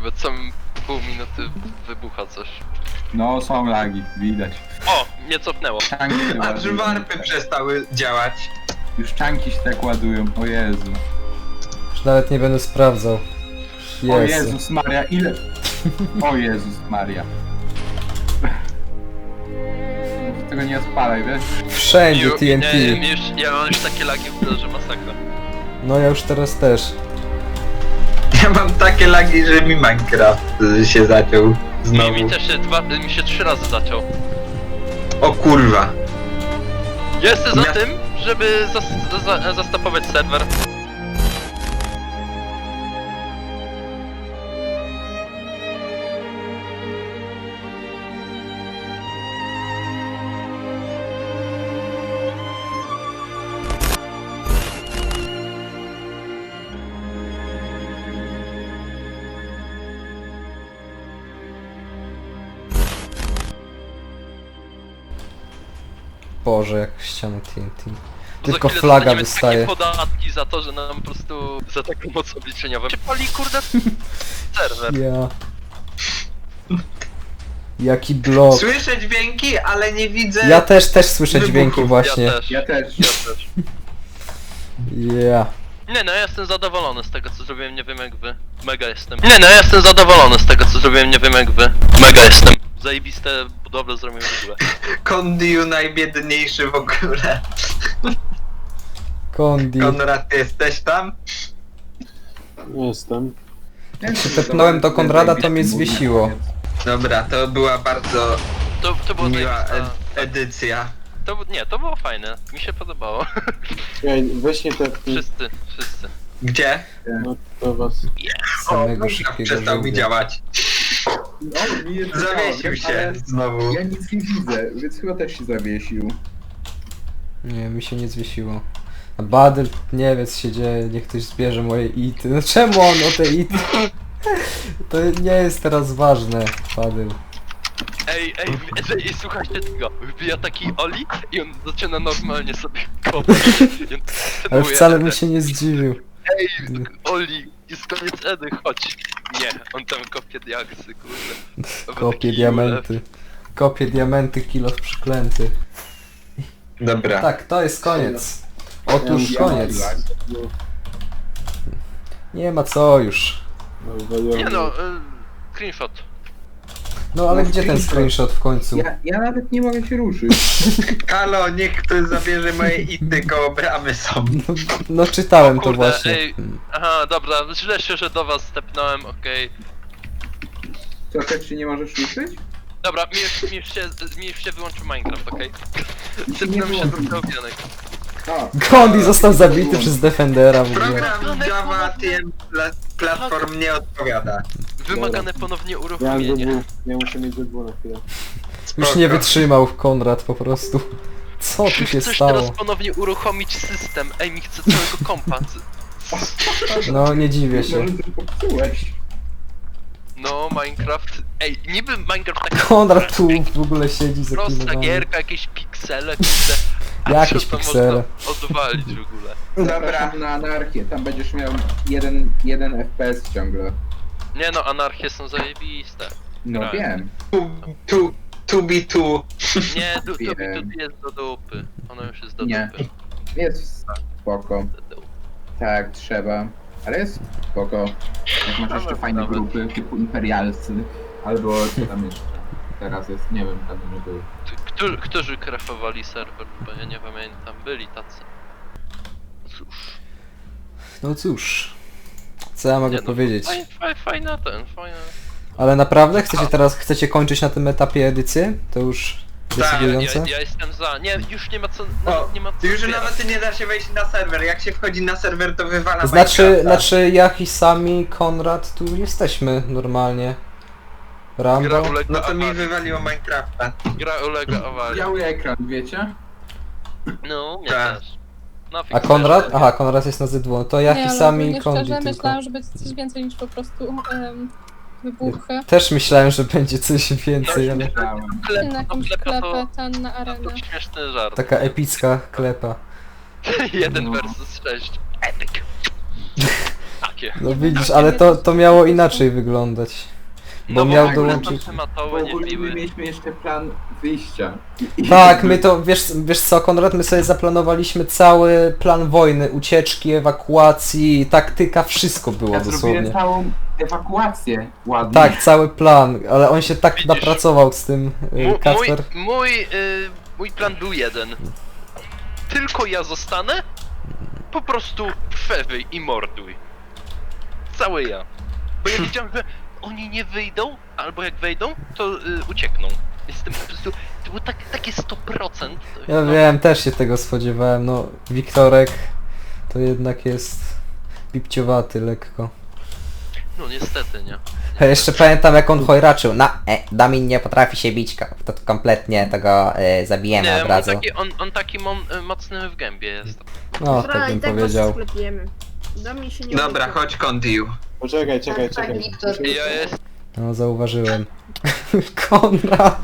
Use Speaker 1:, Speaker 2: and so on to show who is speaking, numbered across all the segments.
Speaker 1: bo co pół minuty wybucha coś.
Speaker 2: No, są lagi, widać.
Speaker 1: O! Nie cofnęło.
Speaker 2: Czanki się
Speaker 3: Aż
Speaker 2: ładują.
Speaker 3: warpy przestały działać.
Speaker 2: Już czanki się tak ładują, o Jezu.
Speaker 4: Już nawet nie będę sprawdzał.
Speaker 2: O
Speaker 4: Jezu.
Speaker 2: Jezus Maria, ile... O Jezus Maria. Tego nie odpalaj, wiesz?
Speaker 4: Wszędzie TNT.
Speaker 1: Ja mam już takie lagi w tle, że masakra.
Speaker 4: No ja już teraz też.
Speaker 3: Ja mam takie lagi, że mi Minecraft się zaciął znowu.
Speaker 1: Mi też mi się 3 razy zaciął.
Speaker 3: O kurwa.
Speaker 1: Jestem za tym, żeby zastopować serwer.
Speaker 4: Boże, jak ścianę TNT.
Speaker 1: Bo
Speaker 4: Tylko
Speaker 1: za chwilę
Speaker 4: flaga
Speaker 1: dostaniemy
Speaker 4: wystaje.
Speaker 1: takie podatki za to, że nam po prostu za taką moc obliczeniową się pali kurde serwer.
Speaker 4: Ja. Jaki blok.
Speaker 3: Słyszę dźwięki, ale nie widzę...
Speaker 4: Ja też słyszę
Speaker 3: wybuchów.
Speaker 4: dźwięki właśnie.
Speaker 1: Ja też.
Speaker 2: Ja też.
Speaker 1: Ja też.
Speaker 4: Ja.
Speaker 1: Nie no, ja jestem zadowolony z tego co zrobiłem, nie wiem jak wy. Mega jestem. Nie no, ja jestem zadowolony z tego co zrobiłem, nie wiem jak wy. Mega jestem. Zajebiste budowle zrobiłem w ogóle.
Speaker 3: Kondiu najbiedniejszy w ogóle.
Speaker 4: Kondi.
Speaker 3: Konrad, ty jesteś tam?
Speaker 5: Jestem.
Speaker 4: Jak się tepnąłem do Konrada, to mnie zwiesiło.
Speaker 3: Dobra, to była bardzo
Speaker 1: To było
Speaker 3: miła
Speaker 1: zajebista.
Speaker 3: edycja.
Speaker 1: To było fajne. Mi się podobało.
Speaker 5: Ej, weź nie te...
Speaker 1: Wszyscy.
Speaker 3: Gdzie?
Speaker 5: No to was...
Speaker 4: Samego
Speaker 3: A
Speaker 4: szybkiego
Speaker 3: przestał mi
Speaker 4: żółwia.
Speaker 3: działać.
Speaker 2: No, mi jest
Speaker 3: Zawiesił się
Speaker 2: ale
Speaker 3: znowu.
Speaker 2: Ja nic nie widzę, więc chyba też się zawiesił.
Speaker 4: Nie, mi się nie zwiesiło. A Badyl, nie wie co się dzieje, niech ktoś zbierze moje ity. No czemu on o te ity? To nie jest teraz ważne, Badyl.
Speaker 1: Ej, słuchajcie tego. Wbija taki Oli i on zaczyna normalnie sobie kopać. I on
Speaker 4: Ale
Speaker 1: trenuje
Speaker 4: wcale
Speaker 1: Edę.
Speaker 4: bym się nie zdziwił.
Speaker 1: Ej, Oli, jest koniec Edy, chodź. Nie, on tam kopie diaksy, kurde.
Speaker 4: Kopie
Speaker 1: Taki
Speaker 4: diamenty. Kopie diamenty, kilof przyklęty.
Speaker 3: Dobra.
Speaker 4: Tak, to jest koniec. Otóż
Speaker 2: Ja
Speaker 4: koniec.
Speaker 5: No,
Speaker 4: Nie ma co już.
Speaker 5: no, waliłem.
Speaker 1: Nie no, screenshot.
Speaker 4: No ale
Speaker 2: No,
Speaker 4: gdzie ten screenshot w końcu?
Speaker 2: Ja nawet nie mogę się ruszyć.
Speaker 3: Halo, niech ktoś zabierze moje ity, koło bramy są.
Speaker 4: No czytałem to
Speaker 1: Kurde,
Speaker 4: właśnie.
Speaker 1: ej. Aha, dobra, źle się, że do was stepnąłem, okej.
Speaker 2: Co, też się nie możesz ruszyć?
Speaker 1: Dobra, mi już się wyłączył Minecraft, okej?
Speaker 2: Nie
Speaker 1: Stepnąłem się
Speaker 2: wyłączył.
Speaker 1: do obianek.
Speaker 2: A,
Speaker 4: Gondi został zabity przez Defendera w ogóle.
Speaker 3: Program Java TM Platform nie odpowiada.
Speaker 1: Wymagane ponownie
Speaker 5: Ja mam
Speaker 1: uruchomienie.
Speaker 5: ZW. Ja muszę mieć ZW na chwilę.
Speaker 4: Już nie wytrzymał Konrad po prostu. Co tu się
Speaker 1: Chcesz
Speaker 4: stało?
Speaker 1: teraz ponownie uruchomić system? Ej, mi chce całego kompa.
Speaker 4: No nie dziwię się.
Speaker 2: może coś popsułeś.
Speaker 1: No, Minecraft. Ej, niby Minecraft tak
Speaker 4: Konrad tu w ogóle siedzi
Speaker 1: prosta
Speaker 4: zaklinowany.
Speaker 1: gierka, jakieś piksele, kurde. A
Speaker 4: Jakieś
Speaker 1: co to
Speaker 4: piksele.
Speaker 1: można odwalić w ogóle?
Speaker 2: Zapraszam na anarchię, tam będziesz miał jeden FPS ciągle.
Speaker 1: Nie no, anarchie są zajebiste.
Speaker 2: No
Speaker 1: Graj.
Speaker 2: wiem.
Speaker 3: 2B2.
Speaker 1: Nie, to
Speaker 2: Wiem.
Speaker 1: jest do dupy. Ono już jest do
Speaker 2: Nie.
Speaker 1: dupy.
Speaker 2: Jest spoko.
Speaker 1: Do dupy.
Speaker 2: Tak, trzeba. Ale jest spoko. Jak masz jeszcze fajne
Speaker 1: nawet.
Speaker 2: grupy typu imperialscy. Albo co tam jeszcze. Teraz jest, nie wiem, tam nie był.
Speaker 1: Którzy krafowali serwer? Bo ja nie pamiętam, byli tacy. Cóż.
Speaker 4: No cóż. Co ja mogę
Speaker 1: Nie no,
Speaker 4: powiedzieć?
Speaker 1: Fajna.
Speaker 4: Ale naprawdę chcecie kończyć na tym etapie edycję? To już decydujące?
Speaker 1: Ja jestem za. Nie, już nie ma co.
Speaker 3: O,
Speaker 1: Nawet nie ma co
Speaker 3: już
Speaker 1: zbierać.
Speaker 3: nawet nie da się wejść na serwer. Jak się wchodzi na serwer, to wywala
Speaker 4: Znaczy ja i sami Konrad tu jesteśmy normalnie.
Speaker 1: Gra
Speaker 4: Rambo?
Speaker 1: ulega
Speaker 3: No to mi
Speaker 1: awarii.
Speaker 3: wywaliło Minecrafta.
Speaker 1: Gra ulega awarii.
Speaker 2: Biały ekran, wiecie?
Speaker 1: No, mnie
Speaker 3: Tak.
Speaker 1: też. No,
Speaker 4: A Konrad? Aha, Konrad jest na Z2. To ja
Speaker 6: Nie,
Speaker 4: i
Speaker 6: ale
Speaker 4: sami
Speaker 6: ogólnie
Speaker 4: Kondi
Speaker 6: szczerze
Speaker 4: tylko.
Speaker 6: myślałam, że będzie coś więcej niż po prostu wybuchy.
Speaker 4: Też myślałem, że będzie coś więcej, ale
Speaker 2: Myślałem.
Speaker 6: Na jakąś klepę, ten na arenę.
Speaker 1: To śmieszny żart.
Speaker 4: taka epicka klepa.
Speaker 1: 1
Speaker 2: No.
Speaker 1: versus 6. Epic. Tak takie.
Speaker 4: No widzisz, ale to miało inaczej wyglądać. Bo
Speaker 1: No
Speaker 4: miał
Speaker 1: w ogóle
Speaker 4: dołączyć...
Speaker 1: tam
Speaker 2: Bo
Speaker 1: tematowe nie
Speaker 2: ogólnie
Speaker 1: biły.
Speaker 2: my mieliśmy jeszcze plan wyjścia.
Speaker 4: Tak, my to, wiesz co Konrad, my sobie zaplanowaliśmy cały plan wojny, ucieczki, ewakuacji, taktyka, wszystko było
Speaker 2: Ja zrobiłem
Speaker 4: dosłownie.
Speaker 2: całą ewakuację ładnie.
Speaker 4: Tak, cały plan, ale on się tak
Speaker 1: Widzisz?
Speaker 4: napracował z tym Kacper.
Speaker 1: Mój plan był jeden. Tylko ja zostanę, po prostu przewyj i morduj. Cały ja. Bo ja wiedziałem, że oni nie wyjdą, albo jak wejdą, to uciekną. Jestem po prostu... To było takie 100%.
Speaker 4: Ja
Speaker 1: no.
Speaker 4: wiem, też się tego spodziewałem, no Wiktorek to jednak jest pipciowaty lekko.
Speaker 1: No niestety, nie.
Speaker 4: Ja jeszcze pamiętam jak on chojraczył, Damin nie potrafi się bić, to kompletnie tego zabijemy
Speaker 1: Nie,
Speaker 4: od razu.
Speaker 1: on taki mocny w gębie jest.
Speaker 4: No, tak bym powiedział.
Speaker 7: sklepujemy. Do mnie się nie
Speaker 3: Dobra,
Speaker 7: obiecuj.
Speaker 3: chodź Kondiu.
Speaker 5: Poczekaj, czekaj.
Speaker 1: Ja jest...
Speaker 4: No zauważyłem. Konrad,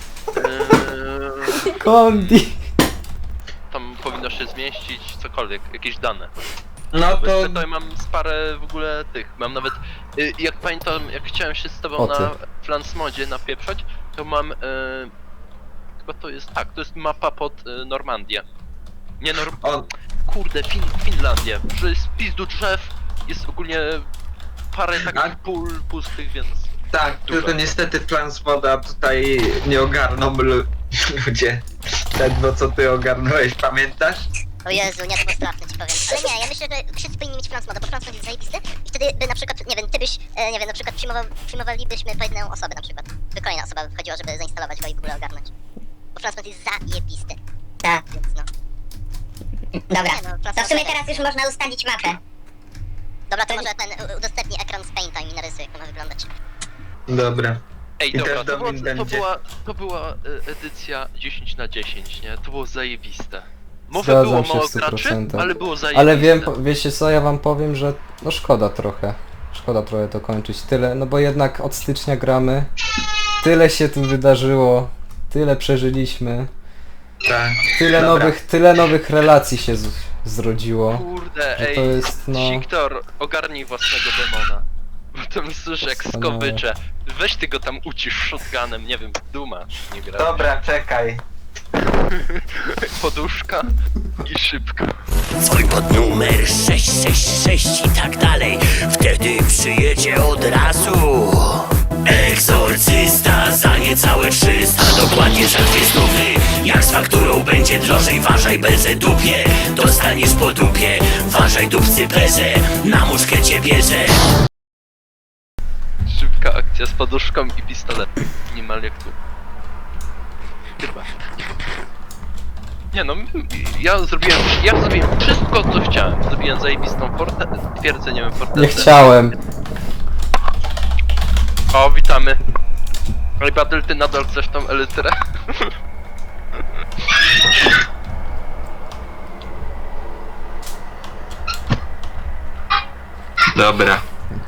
Speaker 1: Yy,
Speaker 4: Kondi.
Speaker 1: tam powinno się zmieścić cokolwiek, jakieś dane.
Speaker 3: No
Speaker 1: Bo
Speaker 3: to...
Speaker 1: jeszcze tutaj mam parę w ogóle tych, mam nawet, jak pamiętam, jak chciałem się z tobą
Speaker 4: O ty.
Speaker 1: na Flansmodzie napieprzać, to mam, chyba to jest, tak, to jest mapa pod Normandię. Nie
Speaker 3: On...
Speaker 1: kurde, Finlandię, że jest pizdu drzew, jest ogólnie parę takich pól pustych, więc...
Speaker 3: Tak, tylko niestety plan z woda tutaj nie ogarną ludzie. Ledwo co ty ogarnąłeś, pamiętasz?
Speaker 8: O Jezu, nie, to było straszne, ci powiem. Ale nie, ja myślę, że wszyscy powinni mieć Flansmoda, bo Flansmod jest zajebisty i wtedy by na przykład, nie wiem, ty byś, nie wiem, na przykład przyjmowalibyśmy po jedną osobę na przykład. By kolejna osoba wchodziła, żeby zainstalować go i w ogóle ogarnąć. Bo Flansmod jest zajebisty. Tak. Więc no. Dobra, no, to w sumie teraz już można ustalić mapę. Dobra, to może ten udostępni ekran z Painta i mi narysuje, jak to ma wyglądać.
Speaker 3: Dobra.
Speaker 1: Ej,
Speaker 3: I
Speaker 1: dobra,
Speaker 3: też Domin będzie.
Speaker 1: to była edycja 10/10, nie? To było zajebiste. Może było
Speaker 4: Zgadzam się
Speaker 1: mało
Speaker 4: w
Speaker 1: graczy,
Speaker 4: 100%.
Speaker 1: ale było zajebiste.
Speaker 4: Ale wiem, wiecie co, ja wam powiem, że no szkoda trochę. Szkoda trochę to kończyć. Tyle, no bo jednak od stycznia gramy. Tyle się tu wydarzyło. Tyle przeżyliśmy.
Speaker 3: Tak.
Speaker 4: Tyle nowych relacji się zrodziło.
Speaker 1: Kurde,
Speaker 4: Że
Speaker 1: ej,
Speaker 4: to jest, no...
Speaker 1: Siktor, ogarnij własnego demona. Bo tam słyszę jak
Speaker 4: Wspaniałe.
Speaker 1: skowycze. Weź ty go tam ucisz shotgunem, nie wiem, Duma nie gra.
Speaker 3: Dobra, czekaj.
Speaker 1: Poduszka i szybko.
Speaker 9: Dzwoń pod numer 666 i tak dalej. Wtedy przyjedzie od razu egzorcysta za niecałe 300. Dokładnie za 200. Jak z fakturą będzie drożej, ważaj bezę dupie. Dostaniesz po dupie, ważaj dupcy bezę. Na muszkę cię bierze.
Speaker 1: Szybka akcja z poduszką i pistoletem. Niemal jak tu. Chyba. Nie no, ja zrobiłem wszystko co chciałem. Zrobiłem zajebistą twierdzę, nie wiem, fortecę.
Speaker 4: Nie chciałem.
Speaker 1: O, witamy. Ej, Badyl, ty nadal chcesz tą elytrę?
Speaker 3: Dobra.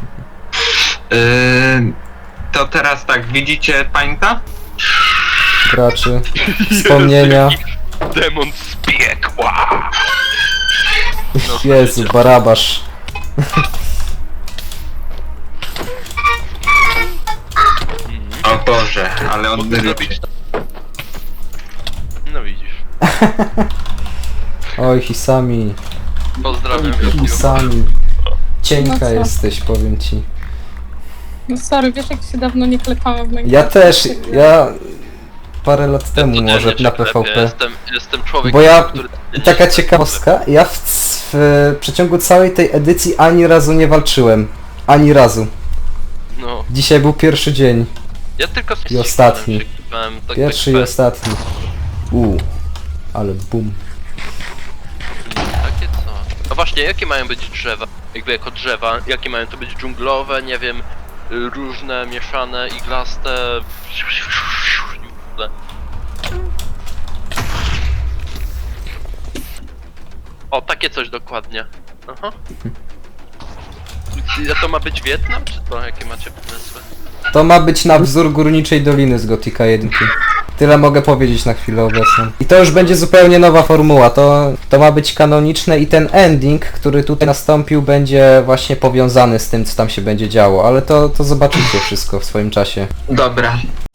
Speaker 3: To teraz tak, widzicie Painta?
Speaker 4: Graczy. Wspomnienia.
Speaker 1: Demon z piekła! No,
Speaker 4: Jezu, Barabasz.
Speaker 3: O Boże, ale on
Speaker 1: Mógłby
Speaker 3: lubi.
Speaker 1: zrobić. No widzisz.
Speaker 4: Oj, Hisami.
Speaker 1: Pozdrawiam, Jokiu.
Speaker 4: Hisami.
Speaker 6: No
Speaker 4: Cienka
Speaker 6: co?
Speaker 4: jesteś, powiem ci.
Speaker 6: No sorry, wiesz jak się dawno nie klepałam w
Speaker 4: Ja
Speaker 6: Minecrafcie?
Speaker 4: też, ja... Parę lat temu
Speaker 1: Codziennie
Speaker 4: może
Speaker 1: się
Speaker 4: na
Speaker 1: klepie,
Speaker 4: PvP.
Speaker 1: Jestem człowiekiem,
Speaker 4: Bo ja,
Speaker 1: który...
Speaker 4: taka ciekawostka, ja w przeciągu całej tej edycji ani razu nie walczyłem. Ani razu.
Speaker 1: No,
Speaker 4: Dzisiaj był pierwszy dzień.
Speaker 1: ja tylko z
Speaker 4: I ostatni.
Speaker 1: się klepałem, tak
Speaker 4: Pierwszy i
Speaker 1: tak,
Speaker 4: ostatni. Ale bum.
Speaker 1: Takie co? No właśnie, jakie mają być drzewa? Jakby jako drzewa, jakie mają to być dżunglowe, nie wiem, różne, mieszane, iglaste... O, takie coś dokładnie. Aha. A to ma być Wietnam, czy to jakie macie pomysły?
Speaker 4: To ma być na wzór Górniczej Doliny z Gothica 1. Tyle mogę powiedzieć na chwilę obecną. I to już będzie zupełnie nowa formuła, to ma być kanoniczne i ten ending, który tutaj nastąpił, będzie właśnie powiązany z tym, co tam się będzie działo, ale to zobaczycie wszystko w swoim czasie.
Speaker 3: Dobra.